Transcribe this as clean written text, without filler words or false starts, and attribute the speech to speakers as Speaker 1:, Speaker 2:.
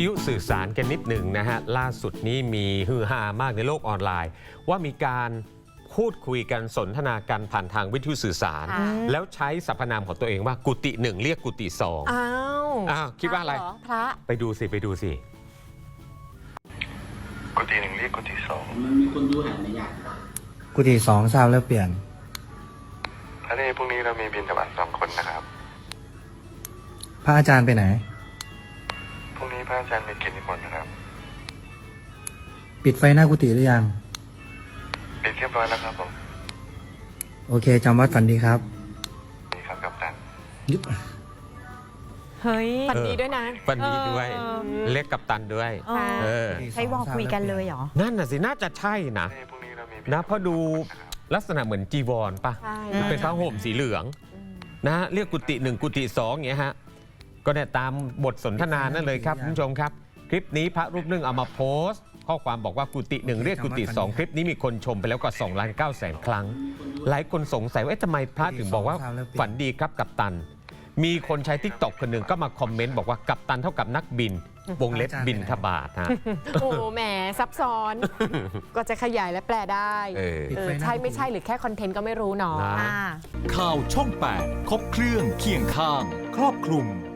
Speaker 1: ทยุสื่อสารกันนิดหนึ่งนะฮะล่าสุดนี้มีฮือฮามากในโลกออนไลน์ ว่ามีการพูดคุยกันสนทนากันผ่านทางวิทยุสื่อสาร แล้วใช้สรรพนามของตัวเองว่ากุฏิหนึ่งเรียกกุฏิสองอ้าวคิดว่าอะไร
Speaker 2: พระ
Speaker 1: ไปดูสิ
Speaker 3: กุฏิหนึ่งเรียกกุฏิสอง
Speaker 4: มันมีคนดูหันในอย่าง
Speaker 5: กุฏิสองทราบแล้วเปลี่ยน
Speaker 3: พระเนพรุ่งนี้เรามีบิณฑบาต2 คนนะครับ
Speaker 5: พระอาจารย์ไปไหน
Speaker 3: พรุ่งนี้พระอาจารย์มีกิจนิมนต์นะครับ
Speaker 5: ปิดไฟหน้ากุฏิหรือยัง
Speaker 3: ปิดเรียบร้อยแล้วครับผม
Speaker 5: โอเคจำวัดฝันดีครับ
Speaker 3: นี่ครับกัปตัน
Speaker 2: เฮ้ย
Speaker 1: ฝันดีด้วยนะฝันดีด้วยเรียกกัปตันด้วย
Speaker 2: ใช้วอลคุยกันเลยเหรอ
Speaker 1: นั่นน่ะสิน่าจะใช่นะ
Speaker 3: พรุ่งนี้เรามี
Speaker 1: นะเพราะดูลักษณะเหมือนจีวรป่ะ
Speaker 2: ใช่
Speaker 1: เป็นผ้าห่มสีเหลืองนะเรียกกุฏิหนึ่งกุฏิสองอย่างเงี้ยฮะก็เนี่ยตามบทสนทนานั่นเลยครับคุณผู้ชมครับ คลิปนี้พระรูปหนึ่งเอามาโพสต์ข้อความบอกว่ากุฏิหนึ่งเรียกกุฏิสองคลิปนี้มีคนชมไปแล้วกว่า2,900,000 ครั้งหลายคนสงสัยว่าทำไมพระถึงบอกว่าฝันดีครับกัปตัน มีคนใช้ทิกตอกคนหนึ่งก็มาคอมเมนต์บอกว่ากัปตันเท่ากับนักบินวงเล็บบินทบาทฮะ
Speaker 2: โอ้แหมซับซ้อน ก็จะขยายและแปลได้ใช่ไม่ใช่หรือแค่คอนเทนต์ก็ไม่รู้เนาะ
Speaker 1: นะ
Speaker 6: ข่าวช่อง 8 ครบเครื่องเคียงข้าง ครอบคลุม